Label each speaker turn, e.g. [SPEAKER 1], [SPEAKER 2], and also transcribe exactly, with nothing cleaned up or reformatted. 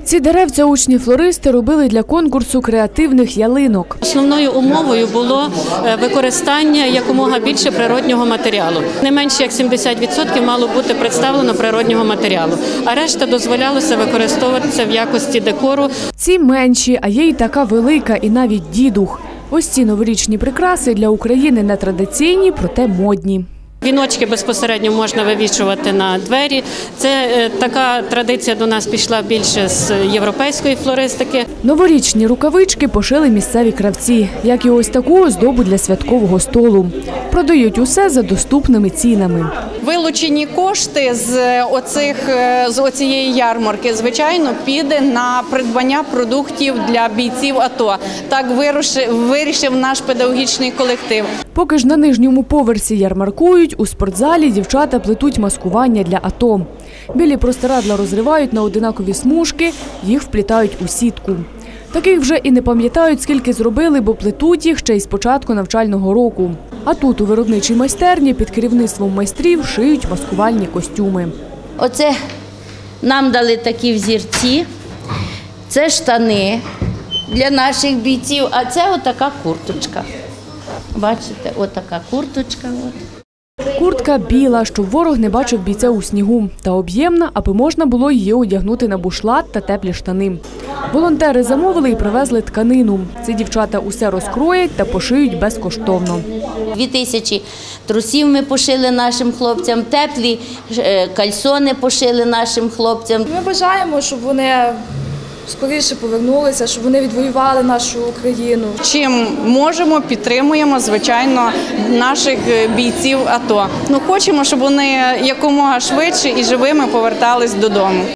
[SPEAKER 1] Ці деревця учні-флористи робили для конкурсу креативних ялинок.
[SPEAKER 2] Основною умовою було використання якомога більше природнього матеріалу. Не менше як сімдесят відсотків мало бути представлено природнього матеріалу, а решта дозволялося використовуватися в якості декору.
[SPEAKER 1] Ці менші, а є й така велика і навіть дідух. Ось ці новорічні прикраси для України не традиційні, проте модні.
[SPEAKER 2] Віночки безпосередньо можна вивішувати на двері. Це така традиція до нас пішла більше з європейської флористики.
[SPEAKER 1] Новорічні рукавички пошили місцеві кравці, як і ось таку оздобу для святкового столу. Продають усе за доступними цінами.
[SPEAKER 3] Вилучені кошти з оцих з оцієї ярмарки, звичайно, піде на придбання продуктів для бійців АТО. Так вирішив наш педагогічний колектив.
[SPEAKER 1] Поки ж на нижньому поверсі ярмаркують, у спортзалі дівчата плетуть маскування для АТО. Білі простирадла розривають на одинакові смужки, їх вплітають у сітку. Таких вже і не пам'ятають, скільки зробили, бо плетуть їх ще й з початку навчального року. А тут у виробничій майстерні під керівництвом майстрів шиють маскувальні костюми.
[SPEAKER 4] Оце нам дали такі взірці, це штани для наших бійців, а це отака курточка. Бачите, отака курточка.
[SPEAKER 1] Куртка біла, щоб ворог не бачив бійця у снігу, та об'ємна, аби можна було її одягнути на бушлат та теплі штани. Волонтери замовили і привезли тканину. Ці дівчата усе розкроять та пошиють безкоштовно.
[SPEAKER 4] Дві тисячі трусів ми пошили нашим хлопцям, теплі кальсони пошили нашим хлопцям.
[SPEAKER 5] Ми бажаємо, щоб вони скоріше повернулися, щоб вони відвоювали нашу Україну.
[SPEAKER 3] Чим можемо, підтримуємо, звичайно, наших бійців АТО. Ну, хочемо, щоб вони якомога швидше і живими повертались додому.